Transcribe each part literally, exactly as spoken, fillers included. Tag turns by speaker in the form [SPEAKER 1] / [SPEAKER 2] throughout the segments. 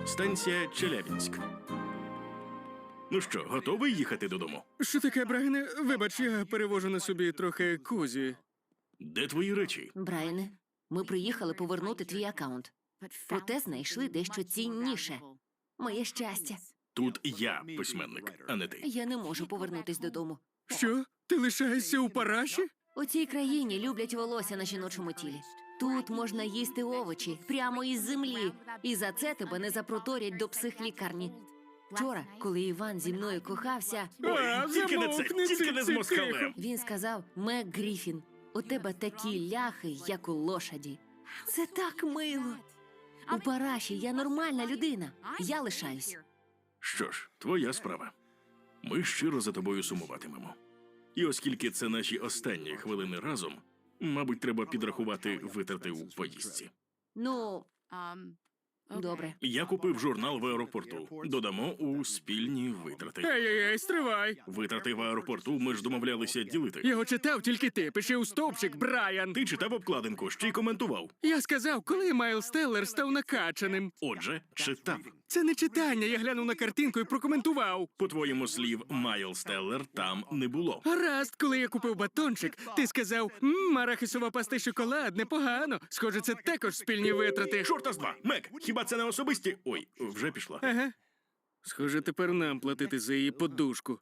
[SPEAKER 1] станція Челябінськ. Ну що, готовий їхати додому?
[SPEAKER 2] Що таке, Брайане? Вибач, я перевожу на собі трохи кузі.
[SPEAKER 1] Де твої речі?
[SPEAKER 3] Брайане, ми приїхали повернути твій акаунт. Проте знайшли дещо цінніше. Моє щастя.
[SPEAKER 1] Тут я письменник, а не ти.
[SPEAKER 3] Я не можу повернутись додому.
[SPEAKER 2] Що? Ти лишаєшся у параші?
[SPEAKER 3] У цій країні люблять волосся на жіночому тілі. Тут можна їсти овочі прямо із землі. І за це тебе не запроторять до психлікарні. Вчора, коли Іван зі мною кохався,
[SPEAKER 2] А,
[SPEAKER 1] Ой, тільки не це,
[SPEAKER 2] замовкни,
[SPEAKER 1] тільки не з
[SPEAKER 2] ці- ці-
[SPEAKER 1] москалем.
[SPEAKER 2] тихо.
[SPEAKER 3] він сказав: Мек Гріфін, у тебе такі ляхи, як у лошаді. Це так мило. У параші я нормальна людина. Я лишаюсь.
[SPEAKER 1] Що ж, твоя справа. Ми щиро за тобою сумуватимемо. І оскільки це наші останні хвилини разом, мабуть, треба підрахувати витрати у поїздці.
[SPEAKER 3] Ну, добре.
[SPEAKER 1] Я купив журнал в аеропорту. Додамо у спільні витрати.
[SPEAKER 2] Ей-ей-ей, стривай.
[SPEAKER 1] Витрати в аеропорту ми ж домовлялися ділити.
[SPEAKER 2] Його читав тільки ти. Пиши у стовпчик, Брайан.
[SPEAKER 1] Ти читав обкладинку, ще й коментував.
[SPEAKER 2] Я сказав, коли Майлз Теллер став накачаним.
[SPEAKER 1] Отже, читав.
[SPEAKER 2] Це не читання, я глянув на картинку і прокоментував.
[SPEAKER 1] По-твоєму слів, Майлз Теллер там не було.
[SPEAKER 2] Гаразд, коли я купив батончик, ти сказав, мм, арахісова паста й шоколад, непогано. Схоже, це також спільні витрати.
[SPEAKER 1] Чорта з два! Мек, хіба це не особисті? Ой, вже пішла.
[SPEAKER 2] Ага. Схоже, тепер нам платити за її подушку.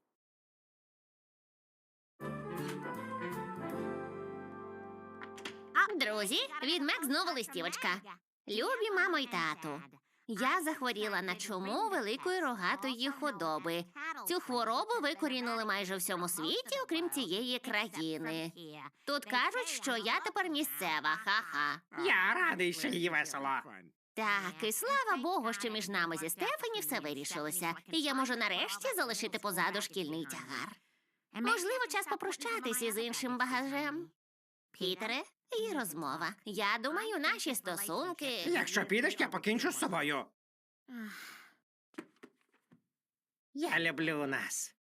[SPEAKER 4] Друзі, від Мек знову листівочка. Любі мамо й тату. Я захворіла на чуму великої рогатої худоби. Цю хворобу викорінили майже в всьому світі, окрім цієї країни. Тут кажуть, що я тепер місцева, ха-ха.
[SPEAKER 5] Я радий, що їй весело.
[SPEAKER 4] Так, і слава Богу, що між нами зі Стефані все вирішилося, і я можу нарешті залишити позаду шкільний тягар. Можливо, час попрощатись із іншим багажем. Пітере, і розмова. Я думаю, наші стосунки...
[SPEAKER 5] Якщо підеш, я покінчу з собою. Я люблю нас.